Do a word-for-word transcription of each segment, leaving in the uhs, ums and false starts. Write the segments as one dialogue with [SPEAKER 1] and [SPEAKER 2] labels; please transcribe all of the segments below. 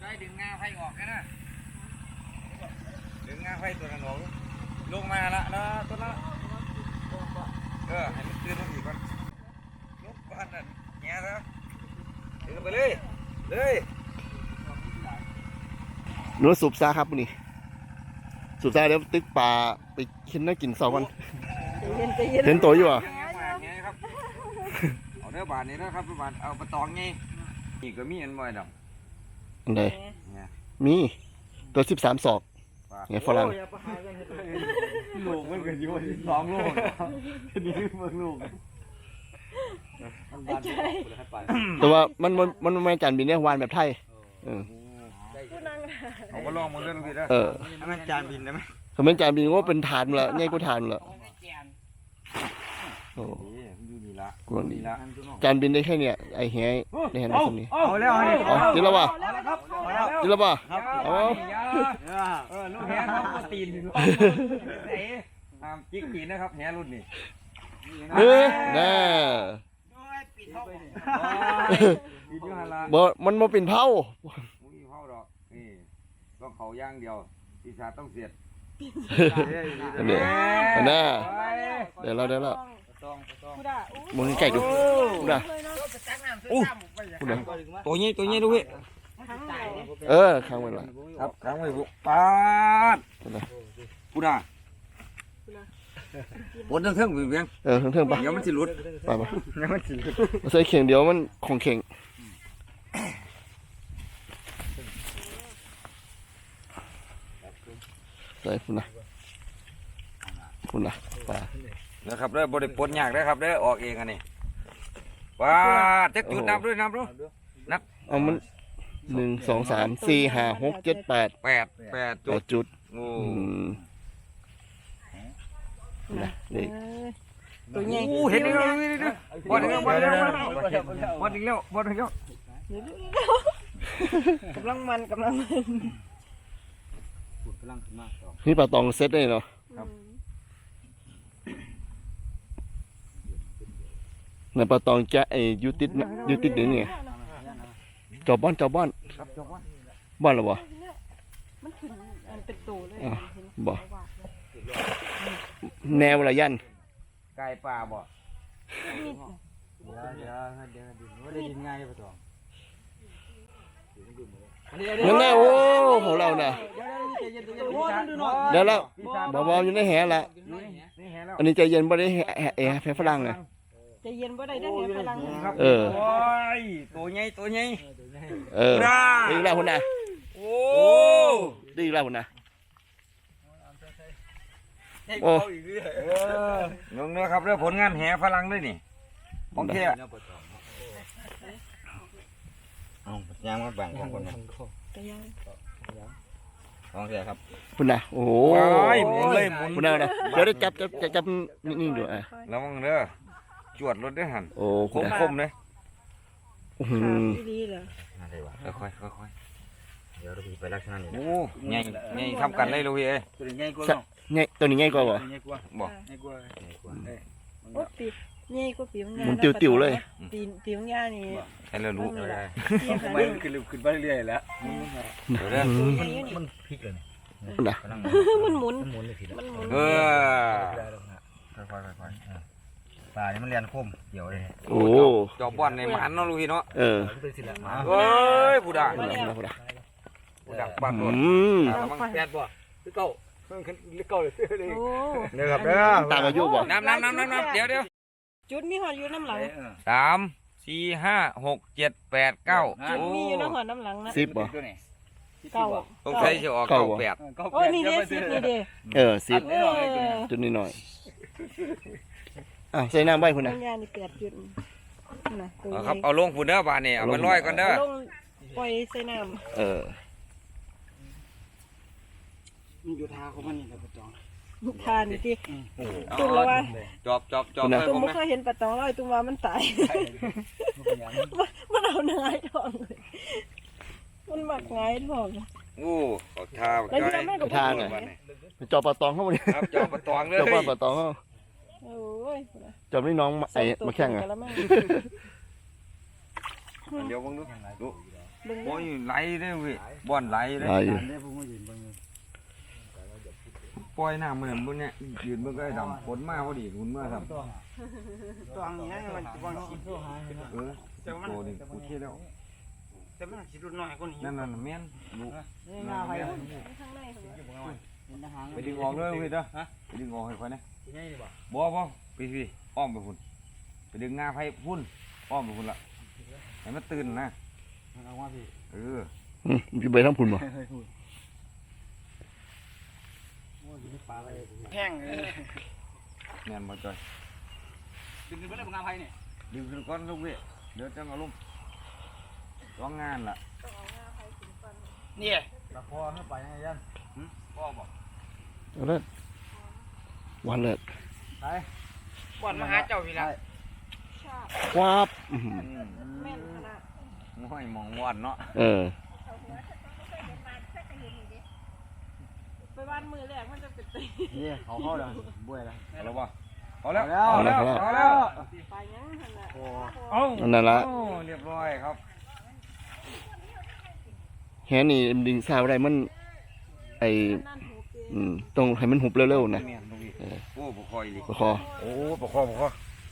[SPEAKER 1] ได้ดึงงาไฟออกแค่นั้นดึงงาไฟตัวนั้นออกลงมาละแล้วตัวนั้นเออให้มันตื่นมาอีกก่อนลุกก่อนนั่นแง่แล้วดึงไปเลยเลย
[SPEAKER 2] หนูสูบซาครับนี่สูบซาเดี๋ยวตึกป่าไปกินน่ากินสองวันเห็นตัวอยู่อ่ะ
[SPEAKER 1] เอาเนื้อบาทนี้นะครับบาทเอาปลาตองไงนี่ก็มีอันบ่อยดอก
[SPEAKER 2] อันใดมีตัวสิบสามศอกไงฝรั่ง
[SPEAKER 1] ลูกมันก็อยู่สองลูกนี่เบิ่งลูก
[SPEAKER 2] แต่ว่ามันมันมันไม่จานบินเนี่ยวานแบบไทยเออ
[SPEAKER 1] เอามาลองมาเล่นพี่ได้
[SPEAKER 2] เออ
[SPEAKER 1] มันจานบินได้ไหม
[SPEAKER 2] ถ้ามันจานบินก็เป็นฐานละง่ายกว่าฐานละโอ้กวนดีจานบินได้แค่เนี้ยไอ้เหี้ยได้เห็นไหมคนนี้
[SPEAKER 1] เอาแล้ว
[SPEAKER 2] อ๋อจิละวะจิละวะ
[SPEAKER 1] เอาเออลูกแหนเขาโปรตีนไหนตามจิ๊กตีนนะครับแหนรุ่นนี้
[SPEAKER 2] เออแน่บ่มันมาเป็นเผา
[SPEAKER 1] มุ้ยเผาดอกนี่ต้องเขาย่างเดียวปีศาจต้องเสียด
[SPEAKER 2] เนี่ยน่าเดี๋ยวเราเดี๋ยวเรามึงไก่ดูดูด่าอู้ตัวนี้ตัวนี้ดูพี่เออค้างไว้ละ
[SPEAKER 1] ครับค้างไว้บุปาดกูด่าปวดทั้งเทิงเพียง
[SPEAKER 2] เออทั้งเทิงปะ
[SPEAKER 1] เดี๋ยวมันจะหลุด
[SPEAKER 2] ไปปะ
[SPEAKER 1] เดี๋ยวมันจะหลุด
[SPEAKER 2] ใส่เข่งเดียวมันของเข่งใส่คุณนะคุณนะปลา
[SPEAKER 1] นะครับได้บริปนยากได้ครับได้ออกเองอันนี้ว้าจะจุดนับด้วยนับด้วยนับ
[SPEAKER 2] เอามันหนึ่งสองสามสี่ห้าหกเจ็ดแปด
[SPEAKER 1] แปดแปดจุด
[SPEAKER 2] จุด
[SPEAKER 1] โอ้
[SPEAKER 2] นะนี่
[SPEAKER 1] ตัวใหญ่เห็นแล้วบอลอีกแล้วบอลอีกแล้วบอลอีกแล้วบอลอีกแล้ว
[SPEAKER 3] กำลังมันกำลังมัน
[SPEAKER 2] นี่ปลาตองเซตได้เนาะในปลาตองจะไอยูติดยูติดหรือไงจอบบ้านจอบบ้านบ้านหรอวะ
[SPEAKER 3] มันขึ้นมันเป็นตัวเลย
[SPEAKER 2] บ่แนวระยัน
[SPEAKER 1] ไก่ป่าบ่เดี๋ยวเดี๋ยวเดี๋ยวเดี๋ยวได้ยินง่ายเลยปลาตอง
[SPEAKER 2] นั่นแหละโอ้ของเราน่ะเดี๋ยวแล้วบ่าวอยู่ในแหละอันนี้ใจเย็นบ่ได้แหแหแหฝรั่งนะ
[SPEAKER 3] ใจเย็นบ่ได้ได้แหฝรั่ง
[SPEAKER 2] เออ
[SPEAKER 1] โอ้ยตัวใหญ่ตัวใหญ่
[SPEAKER 2] เออดีแล้วคุณน่ะ
[SPEAKER 1] โอ้
[SPEAKER 2] ดีแล้วคุณน่ะ
[SPEAKER 1] โอ้น้องเนื้อครับเรื่องผลงานแหฝรั่งด้วยนี่โอเคเอาย่างมาแบ่งของคนนะของเสียครับ
[SPEAKER 2] คุณน่ะโอ้โห
[SPEAKER 1] หมุนเลยหมุน
[SPEAKER 2] คุณน่ะนะเดี๋ยวได้จับจับจับจับนิ่งๆดูอ่ะ
[SPEAKER 1] ระวังเด้อจวดรถด้วยหัน
[SPEAKER 2] โอ้
[SPEAKER 1] คมคมเลย
[SPEAKER 3] อืมดีเหรอ
[SPEAKER 1] ค่อยค่อยค่อยเดี๋ยวเราไปลักษณะนี้โอ้ใหญ่ใหญ่ทำกันเลยลูกพี่เอ้
[SPEAKER 2] ตัวนี้ใหญ่กว่าใหญ่ตัวนี้ใหญ่กว่าบ่
[SPEAKER 1] บ่
[SPEAKER 3] ใหญ่กว่าโอ้ปีใหญ่กว่าปีมันยา
[SPEAKER 2] หมุนติ๋วๆเลย
[SPEAKER 3] ปีปีมันยานี่
[SPEAKER 1] ให้เรารู้
[SPEAKER 4] ไม่ขึ้นขึ้นไปเรื่อยๆแล้ว
[SPEAKER 1] มัน
[SPEAKER 4] พลิกเลย
[SPEAKER 2] นะ
[SPEAKER 3] มันหมุน
[SPEAKER 4] มันหมุนเลยที
[SPEAKER 3] มันหมุน
[SPEAKER 1] เออ
[SPEAKER 4] ค่อยๆค่อยๆปลานี่มันเรียนคมเกี่ยวเลย
[SPEAKER 2] โอ้
[SPEAKER 1] จอบบอลในมันเนาะลูกพี่เนาะ
[SPEAKER 2] เออ
[SPEAKER 1] เฮ้ยผู้ด่า
[SPEAKER 2] ผู้ด่า
[SPEAKER 1] ผู้ด่าบ้านโดนมันแปดบ่หรือเก้ามันขึ้นหรือเก้าเลยเด้อครับเด้อ
[SPEAKER 2] ตามอายุบ่
[SPEAKER 1] น้ำน้ำน้ำน้ำน้ำเดี๋ยวเดี๋ยว
[SPEAKER 3] จุดมีหอดอยู่น้ำหลัง
[SPEAKER 1] สามสี่ห้าหกเจ็ดแปดเก้า
[SPEAKER 3] จุดมีอยู่น้ำหอดน้ำหลังนะ
[SPEAKER 2] สิบบ่
[SPEAKER 3] เก้า
[SPEAKER 1] ต้องใช้จะออกเก้าแปด
[SPEAKER 3] โอ้ยนี่เด้สิบนี่เด้
[SPEAKER 2] เออสิบจุดนิดหน่อยอ่ะใส่น้ำใบคุณนะ
[SPEAKER 3] ยานี่แปดจุด
[SPEAKER 1] นะครับเอาลงฝุ่นเด้อบานนี่เอามันลอยก่อนเด้อ
[SPEAKER 3] ลงปล่อยใส่น้
[SPEAKER 2] ำเออ
[SPEAKER 4] มันอยู่ทาของมันนี่ครับปลาตอง
[SPEAKER 3] ทานที่ตุ้มแล้วว่า
[SPEAKER 1] จอบจอบจอบ
[SPEAKER 3] ตุ้มไม่เคยเห็นปลาตองเลยตุ้มว่ามันตายมันเอาเนื้อทองเลยมันหมักง่ายทอง
[SPEAKER 1] โอ้ขอทา
[SPEAKER 3] แล้วที่แม่กับ
[SPEAKER 2] ทานเลยจอบปลาตองเข้ามาดิ
[SPEAKER 1] ครับจอบปลาตองเลย
[SPEAKER 2] จอบปลาตองเข้า
[SPEAKER 3] โอ้ย
[SPEAKER 2] จอบนี่น้องไอ้มาแข่งอ่ะ
[SPEAKER 1] เดี๋ยวมึงดูดู
[SPEAKER 3] เบิ่ง
[SPEAKER 1] โอ้ยไหลเด้อเว้ยบ่อนไหลเด้
[SPEAKER 2] ได้
[SPEAKER 1] อ
[SPEAKER 2] อยู่
[SPEAKER 1] ปล่อยน้ำมันบนเนี่ยยืนเบิ่งก็ได้ดำฝนมาพอดีคุณเมื่อครับ
[SPEAKER 4] ตัวนี้มันจะวางสิบโลหาย
[SPEAKER 1] เออโตนี่กูเที่ยวแล้ว
[SPEAKER 4] แต่มันสิรุนน้อยกว่านี้
[SPEAKER 1] นั่นน่ะแม่นลูก
[SPEAKER 4] นี่งาไป
[SPEAKER 3] ข้างในเหรอ
[SPEAKER 1] ไปดึงออกเลยเว้ยเด้อไปดึงออกให้ค่อยนะ
[SPEAKER 4] ง่ายดีป่ะ
[SPEAKER 1] บ่บ่ไปพี่อ้อมไปพุ่นไปดึงงาไผพุ่นอ้อมไปพุ่นละให้มันตื่นนะ
[SPEAKER 4] เอาว่าพี่
[SPEAKER 1] เออ
[SPEAKER 2] อืมพี่ไปทั้งพุ่นบ่
[SPEAKER 4] แห้งเลย
[SPEAKER 1] แม่นบ่จอย
[SPEAKER 4] ดึงขึ้นไปได้บ่งาไผเนี่ย
[SPEAKER 1] ดึงขึ้นก่อนลูกเว้ยเดี๋ยวจังเอาลงร้องงานล่ะ
[SPEAKER 4] นี่ตะพอขึ้นไปยังไงยันพ่อบอก
[SPEAKER 2] เอาเลยวันเลย
[SPEAKER 4] ไปบ่อนมาหาเจ้าพี่ละ
[SPEAKER 3] ชาบ
[SPEAKER 2] ควาบอื้อหือ
[SPEAKER 3] แม่นขนาด
[SPEAKER 1] ง่อยมองวอนเนาะ
[SPEAKER 2] เออ
[SPEAKER 3] ไปบ้านมือแรกมันจะเป็นตี
[SPEAKER 4] นี่เขาเข้าแล้วบ้วยแล้ว
[SPEAKER 1] เอาแล้วบ่เอาแล้วเอาแล้วเอาแล้ว
[SPEAKER 3] ไปยังขนาด
[SPEAKER 4] โอ้
[SPEAKER 1] เอา
[SPEAKER 2] นั่นละ
[SPEAKER 1] โอ้เรียบร้อยครับ
[SPEAKER 2] แฮนี่ดึงสาวได้มันไอ
[SPEAKER 3] นั่นหูเก
[SPEAKER 2] อืมต้องให้มันหุบเร็วๆนะ
[SPEAKER 1] แม่นลูกพี่โอ้บ่คอยดิ
[SPEAKER 2] ประคอ
[SPEAKER 1] โอ้บ่คอบ่คอ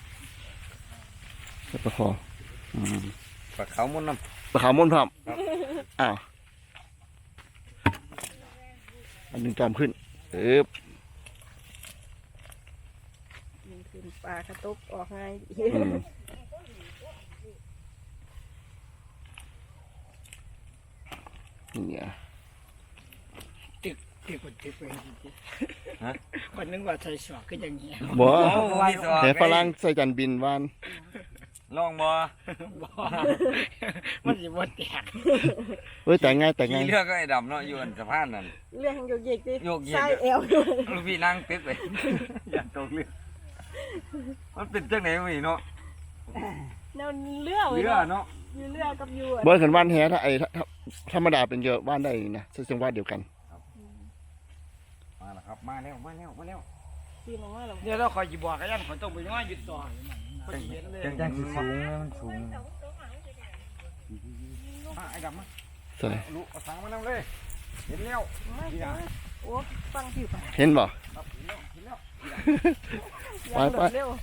[SPEAKER 2] ประคออืม
[SPEAKER 1] ปลาขาวมุนน้
[SPEAKER 2] ประขาวมนต์พร้อมอ้าวอันดึงจอมขึ้นเอ๊บ
[SPEAKER 3] ยิงขึ้นปลากระตุกออกง่าย
[SPEAKER 2] อืมเนี่ย
[SPEAKER 4] ติดติดติดไปคนนึกว่าใส่สวกก็อย่างเงี้ย
[SPEAKER 2] บ่
[SPEAKER 1] ำมีสว
[SPEAKER 2] แต่ฝรั่งใส่จันบินวาน
[SPEAKER 1] ลองบ่
[SPEAKER 4] มันสิบ่แตก
[SPEAKER 2] เฮ้ยแต่งง่ายแต่งง่าย
[SPEAKER 1] ขี่เรือก็ไอ้ดำเนาะอยู่อันสะพานนั่น
[SPEAKER 3] เรื่องโยกเยกดิ
[SPEAKER 1] โยกเยก
[SPEAKER 3] ใส่เอว
[SPEAKER 1] ลูกพี่นั่งตึกเลยอย่าตกเรือมันเป็นจังไหนวะนี่เนาะ
[SPEAKER 3] แนวเรือเว้ย
[SPEAKER 1] เรือเนาะ
[SPEAKER 3] อยู่เรือกับอยู่
[SPEAKER 2] บ่ขันว่านแฮถ้าไอ้ถ้าถ้าธรรมดาเป็นเยอะว่านได้นะซึ่งจังหวัดเดียวกัน
[SPEAKER 1] มาแล้วครับมาแล้วมาแล้วมาแล้ว
[SPEAKER 3] ตีนออกมาแล้ว
[SPEAKER 4] เดี๋ยวเราคอยสิบอกกันยันขอต้องไปย่อยหยุดต่อพอดีเห็นเลย
[SPEAKER 1] จังสิสูงมันสูงมาไอ้ดำมา
[SPEAKER 2] ใช่
[SPEAKER 1] ลูกเอาสังมานำเลยเห็นแล้ว
[SPEAKER 3] ไม่เจอโอ้ฟังผิวไป
[SPEAKER 2] เห็นบ่
[SPEAKER 1] ครับเห็นแล้วเห็นแล้ว
[SPEAKER 3] ยางโดดเร็ว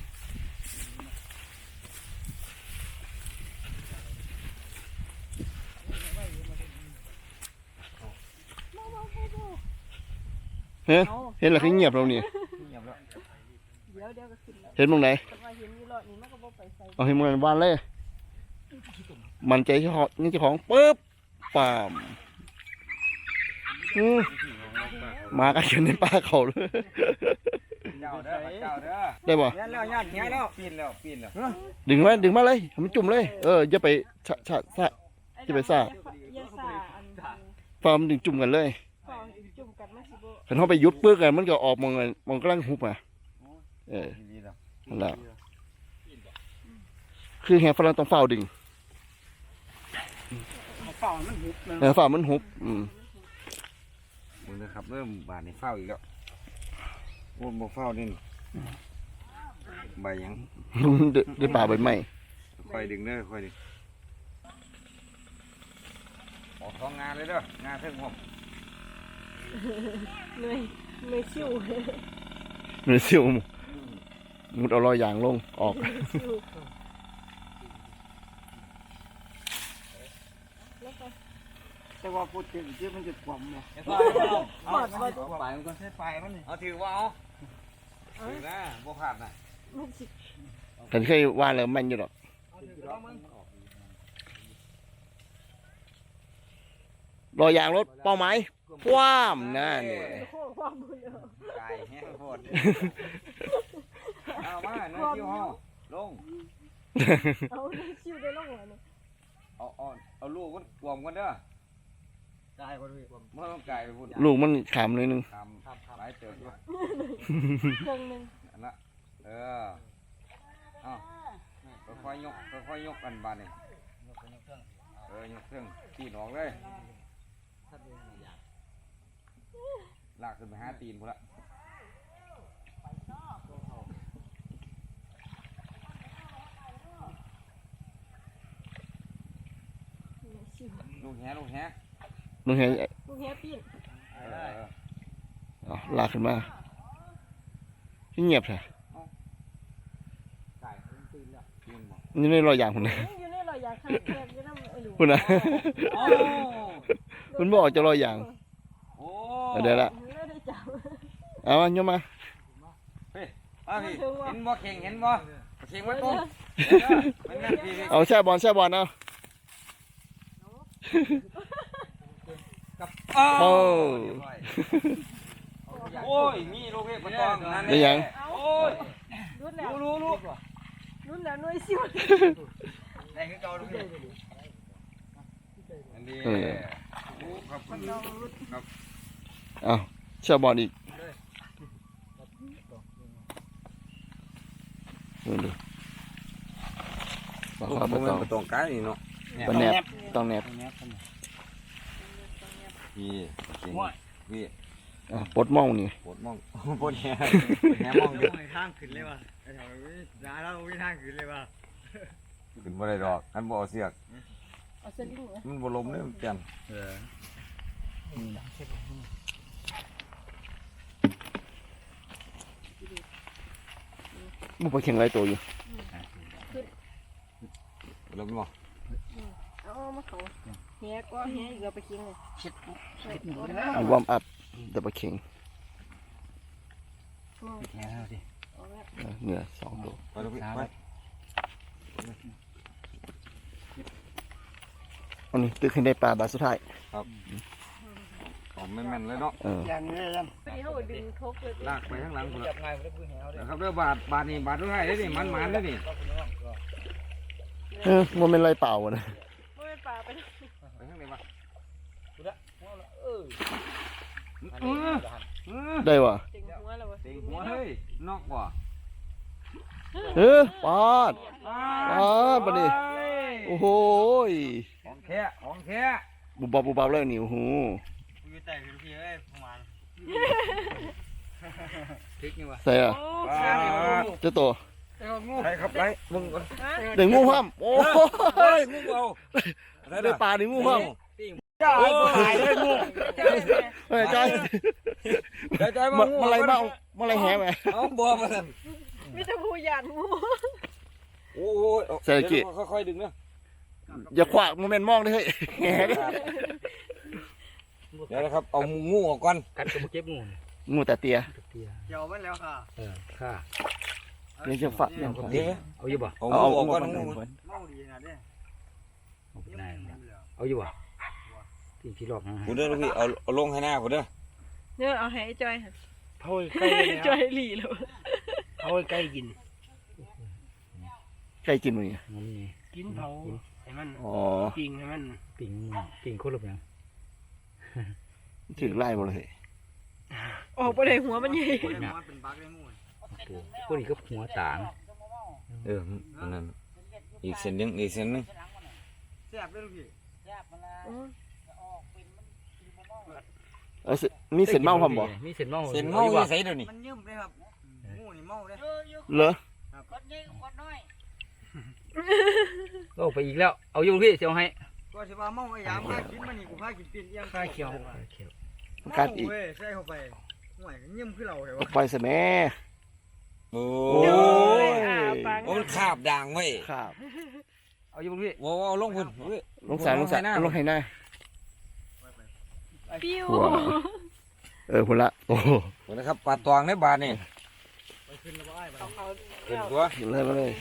[SPEAKER 2] เฮ้ยเห็นแล้วคือเงียบเรานี่
[SPEAKER 1] เงียบแล้ว
[SPEAKER 3] เดี๋ยวเดี๋ยวก็ขึ้นแล้ว
[SPEAKER 2] เห็นตรงไหน
[SPEAKER 3] แต่ว่าเห็นอยู่รอดนี่มันก็บ่ไปใส่
[SPEAKER 2] เอาให้มันว่านเลย มันใจเจ้าของนี่เจ้าของปึ๊บปามอืมมากันอยู่ในป่าเขาเลย
[SPEAKER 1] เจ้าเด้อเจ้าเด้อ
[SPEAKER 2] ได้บ่
[SPEAKER 4] เงี้ยแล้วญาติเงี้ยแล้ว
[SPEAKER 1] ปีนแล้วปีนแล้ว
[SPEAKER 2] ดึงไว้ดึงมาเลยให้มันจุ่มเลย เอออย่าไปชะชะชะ จะไปซ่า
[SPEAKER 3] อย่าซ่าอัน
[SPEAKER 2] ฟาร์มดึงจุ่มกันเลย
[SPEAKER 3] ฟองจุ่มกันมันสิบ่
[SPEAKER 2] คันเขาไปยุดปื้อกันมันก็ออกมองกันมองกำลังหุบอ่ะเออ
[SPEAKER 1] ดีแล้ว
[SPEAKER 2] นั่นแหละคือแฮฝรั่งต้องเฝ้าดึง
[SPEAKER 4] เฝ้ามันหุบเลย
[SPEAKER 2] เออเฝ้ามันหุบอืม
[SPEAKER 1] มึงนะครับเริ่มบานในเฝ้าอีกแล้วโอ้บ่เฝ้านี่ใบยัง
[SPEAKER 2] เดือดป่าใบไม้
[SPEAKER 1] ค่อยดึงเด้อค่อยดึงออกท้องงานเลยเด้องานเทิงผม
[SPEAKER 3] เหนื่อยเหนื่อยชิว
[SPEAKER 2] เนื้อซิวมุดเอารอยยางลงออก
[SPEAKER 3] ชิวแล้วก็
[SPEAKER 4] แต่ว่าพูดถึงที่มันจะกลมเลย
[SPEAKER 1] เอาไปมันก็ใช้ไปมันนี่เอาถือว่าเอาถือนะบ่ขาดนะ
[SPEAKER 3] มันสิ
[SPEAKER 2] แต่เคยว่าแล้วมันอยู่หรอกรอยยางรถเป้าหมายคว้ามนั่นนี่
[SPEAKER 3] โค้งความบุญเอา
[SPEAKER 1] ไก่แห้งโพดเอามาเนื้อคิวห้องลง
[SPEAKER 3] เอาเหนื่อยชิวได้ลงหัวนี่
[SPEAKER 1] เอาเอาเอาลูกมันกวมกันเด้อ
[SPEAKER 4] ได้ก็ด้วย
[SPEAKER 1] เมื่อต้องไก่ไปพุ่น
[SPEAKER 2] ลูกมันขามเลยนึง
[SPEAKER 1] ทำหลายเติบด้วย
[SPEAKER 3] เครื่องหนึง
[SPEAKER 1] อันละเออเอาค่อยๆยกค่อยๆยกกันบานนี่เออยกเครื่องตีนออกเลยลากขึ้นไปหาตีนพุ่นละ
[SPEAKER 3] เหนื่อยชิว
[SPEAKER 1] เลูกแหลูกแห
[SPEAKER 2] มึงเห็น
[SPEAKER 3] ลูกเฮียปีน
[SPEAKER 2] อ๋อลากขึ้นมาที่เงียบแท้นี่ไม่รอยอย่างคนนะ
[SPEAKER 3] อยู่ในรอยยางข้างแคบอยู่น้ำไอ้หลู
[SPEAKER 2] คุณนะคุณบอกจะรอยอย่าง
[SPEAKER 1] โอ้
[SPEAKER 2] เดี๋ยวละ
[SPEAKER 3] ไม่ได้จับ
[SPEAKER 2] เอามาโยมมา
[SPEAKER 1] เฮ้ยพี่เห็นบ่เข่งเห็นบ่เข่งไว้ปุ๊บมันนั่นพี่
[SPEAKER 2] เอาแช่บอลแช่บอลเอา
[SPEAKER 1] โอ้
[SPEAKER 2] โอ้
[SPEAKER 1] โอ้ยมีลูกเห็บปตองนั่น
[SPEAKER 2] ได้ยัง
[SPEAKER 1] โอ้ย
[SPEAKER 3] รุ่นแล้ว
[SPEAKER 1] รู้รู้
[SPEAKER 3] รุ่นแล้วหน่วยซิว
[SPEAKER 1] ไหนคือเก่าลูกเห็บอันนี้ครับครับ
[SPEAKER 2] เอาแช่บอลอีกดูบอกว่าไม่ต้อง
[SPEAKER 1] ปตองกายนี่เนาะ
[SPEAKER 2] ต้องแนบต้องแนบ
[SPEAKER 1] พี่พี่
[SPEAKER 2] อ่ะปลดหมองนี่
[SPEAKER 1] ปวดมองปวดแหแหมองอยู่
[SPEAKER 4] ทางขึ้นเลยว่ะไอ้แถวนี้ร้านเราไม่ทางขึ้นเลยว่ะ
[SPEAKER 1] ขึ้นบ่ได้ดอกอันบ่เอาเสียก
[SPEAKER 3] เอาสลิงเหรอ
[SPEAKER 1] มันบ่ลมเลยมันเปลี่ยน
[SPEAKER 2] มึงไปแข่งไรตัวอยู่
[SPEAKER 1] ลมบ่
[SPEAKER 3] เอามาเขาเฮียก็เฮียอีกเอาไปกินเลย
[SPEAKER 2] อันวอร์มอัพเดี๋ยวไปแข่งเออเหนือสองตัว
[SPEAKER 1] ไปลูกพี่ไป
[SPEAKER 2] อันนี้ตึกขึ้นได้ปลาบาทสุดท้าย
[SPEAKER 1] อ๋อแม่นๆเลยเนาะ
[SPEAKER 2] เออ
[SPEAKER 4] อย่างนี้ยัง
[SPEAKER 3] ไปเขาดึงทกเลย
[SPEAKER 1] ลากไปข้างหลังพุ่น
[SPEAKER 4] จั
[SPEAKER 1] ละ
[SPEAKER 4] บง่ายไม่ได้พื้นแหวเลย
[SPEAKER 1] นะครับเด้อบาทบาทนี่บาทสุดท้ายเด้อนี่มันๆเด้อนี่
[SPEAKER 2] เออมันเป็นไรเปล่าวะนะ
[SPEAKER 3] ไม่เป็นป่าไป
[SPEAKER 1] ไปข้างไหนวะ
[SPEAKER 2] ได้วะ
[SPEAKER 3] ติงหัวแล้ววะ
[SPEAKER 1] เต็งหัวเฮ้ยนอกบ่
[SPEAKER 2] เออปอดปอดปะนี่โอ้โหย
[SPEAKER 1] ของแท้ของแท้
[SPEAKER 2] บุบบับบุบบับเลยนี่โอ้โห
[SPEAKER 4] กูอยู่แต่พื้นที่เอ้ยประมาณพริกนี่ว่ะ
[SPEAKER 2] ใส่อะ
[SPEAKER 3] โอ้
[SPEAKER 2] เจ้าตัว
[SPEAKER 1] ไปครับไปมึงก่อน
[SPEAKER 2] เด็กงูห้ามโอ้
[SPEAKER 1] เฮ้
[SPEAKER 2] ย
[SPEAKER 1] ยมึงเอา
[SPEAKER 2] ได้ปลาหนึ่งงูห้าม
[SPEAKER 1] จ้าไอ้กูหายเลยงู
[SPEAKER 2] เฮ้ยใจ
[SPEAKER 1] ใจใจ
[SPEAKER 2] มา
[SPEAKER 1] งู
[SPEAKER 2] มาอะไรมาเอามาอะไรแหไป
[SPEAKER 1] เอาบ่มาสั่น
[SPEAKER 3] มีแต่ผู้หยาดงู
[SPEAKER 1] โอ้ยค่อยๆดึงนะ
[SPEAKER 2] อย่าขวากโมเมนต์มองเลยเฮ้ยแหดิ
[SPEAKER 1] เดี๋ยวนะครับเอางูออกก่อน
[SPEAKER 4] กัดกับเก็บงู
[SPEAKER 2] งูแต่เตีย
[SPEAKER 4] เกี่ยวมันแล้วค่ะ
[SPEAKER 5] เออค่ะ
[SPEAKER 2] เลี้ยงเชือกฝักเลี้ยงฝัก
[SPEAKER 1] เดี๋ยว
[SPEAKER 5] เอาอยู่บ่
[SPEAKER 1] เอา
[SPEAKER 2] เอา
[SPEAKER 1] งู
[SPEAKER 2] เอา
[SPEAKER 1] ออกก่อน
[SPEAKER 2] เอา
[SPEAKER 1] งู
[SPEAKER 2] เอา
[SPEAKER 4] เมาดีนะเด้
[SPEAKER 5] เอาไปได้เอาอยู่บ่ที่ที่รอบนะ
[SPEAKER 1] กูเด้อลูกพี่เอาเอาลงให้หน้ากูเด้อ
[SPEAKER 3] เนี่ยเอาให้จอยค่ะ
[SPEAKER 4] เผาใกล้
[SPEAKER 3] จอยหลีแล้ว
[SPEAKER 4] เผาใกล้กิน
[SPEAKER 2] ใกล้กินมั้ย
[SPEAKER 5] มันนี่
[SPEAKER 4] กินเผาให้มัน
[SPEAKER 2] อ๋อ
[SPEAKER 4] ปิ้งให้มัน
[SPEAKER 5] ปิ่งปิ่งโคตรหลบยัง
[SPEAKER 2] ถึงไล่หมดเลย
[SPEAKER 3] ออกไปเลยหัวมันใหญ่
[SPEAKER 4] เป็นบักได้งู
[SPEAKER 5] ปูพวกนี้ก็หัวต่าง
[SPEAKER 1] เอออันนั้นอีกเส้นนึงอีกเส้นนึง
[SPEAKER 4] แซ่บเลยลูกพี่
[SPEAKER 2] เออมีเส้นเมาความบ่
[SPEAKER 5] มีเส้นเมา
[SPEAKER 1] เส้นเมาอยู่ไสเดี๋ยวนี้
[SPEAKER 4] มันยืมเลยครับงูนี่เมาเลย
[SPEAKER 2] เหรอ
[SPEAKER 5] ก็ไปอีกแล้วเอาอยู่พี่เสียวให้
[SPEAKER 4] ก็สิว่าเมาไอ้ยามพากินมันนี่กูพากินปีนเอียงข้าเขียว
[SPEAKER 2] กัดอีก
[SPEAKER 4] เว้ยใส่เข้าไปห่วยยืมคือเราเลยวะ
[SPEAKER 2] ไปซะแม่
[SPEAKER 1] โอ้
[SPEAKER 2] โอ้
[SPEAKER 1] ย
[SPEAKER 2] ย
[SPEAKER 1] โอ้มันคาบด่างไว้
[SPEAKER 2] ครับ
[SPEAKER 5] เอาอยู่พี่
[SPEAKER 1] ว้าวลงพุ่น
[SPEAKER 2] ลงสายลงสายลงให้หน้า
[SPEAKER 3] ปิ้ว
[SPEAKER 2] หัวเออพุ่นละโอ้โห
[SPEAKER 1] นะครับปลาตวงในบาทนี่
[SPEAKER 3] เขาเขา
[SPEAKER 1] ขึ้นตัว
[SPEAKER 2] เลยมาเลย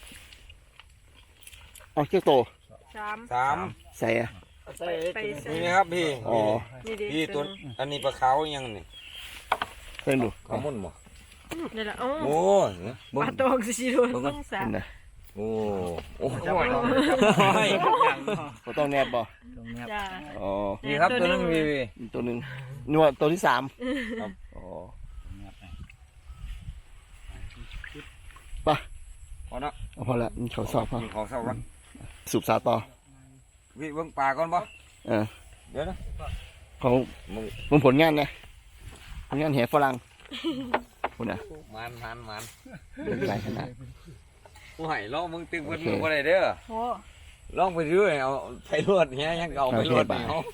[SPEAKER 2] เอาเชือกโต
[SPEAKER 3] สาม
[SPEAKER 1] สาม
[SPEAKER 2] ใส่อะ
[SPEAKER 4] ใส่
[SPEAKER 3] ไปใส่
[SPEAKER 1] นี่นะครับพี่
[SPEAKER 2] อ๋อ
[SPEAKER 3] นี่ดิ
[SPEAKER 1] พี่ตัวอันนี้ปลาขาวยังนี่
[SPEAKER 2] เพิ่นดู
[SPEAKER 1] ขาวมุ่นบ่
[SPEAKER 3] นี่แหละโอ้
[SPEAKER 1] โอ้ย
[SPEAKER 3] ปลาตองสิโดนต้องสา
[SPEAKER 2] เห็
[SPEAKER 3] ม
[SPEAKER 2] นนะ
[SPEAKER 1] โอ้โอ้
[SPEAKER 4] จับ
[SPEAKER 1] ย
[SPEAKER 2] บ่ต้องแนบบ่
[SPEAKER 5] ตรงนี้
[SPEAKER 3] จ้า
[SPEAKER 2] อ๋อ
[SPEAKER 1] นี่ครับตัวนึงพี่
[SPEAKER 2] อีกตัวหนึงนัวตัวที่สามอ๋อ
[SPEAKER 1] พอเนาะ
[SPEAKER 2] เอาพอละมันเขาสอบพอ
[SPEAKER 1] กินของเศร้ากัน
[SPEAKER 2] สูบสาต่อ
[SPEAKER 1] พี่เบิ่งปลาก่อนบ่
[SPEAKER 2] เออ
[SPEAKER 1] เดี๋ยวนะ
[SPEAKER 2] ของ
[SPEAKER 1] มึง
[SPEAKER 2] มึงผลงานนะผลงานแห่ฝรั่งคุณน่ะ
[SPEAKER 1] มันมันมัน
[SPEAKER 2] เดินไกลขนาด
[SPEAKER 1] กูให้ลองมึงตึงเพิ่นมึงบ่ได้เด้อ
[SPEAKER 3] โอ้
[SPEAKER 1] ลองไปเรื่อยเอาไปรวดเนี้ยยังเอาไปรวดเนาะ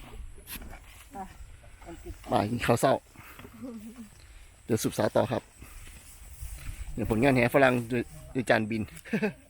[SPEAKER 2] บ่ายกินข้าวเศร้าเดี๋ยวสุบสาวต่อครับเดี๋ยวผลงานแห่ฝรั่งโดยโดยจานบิน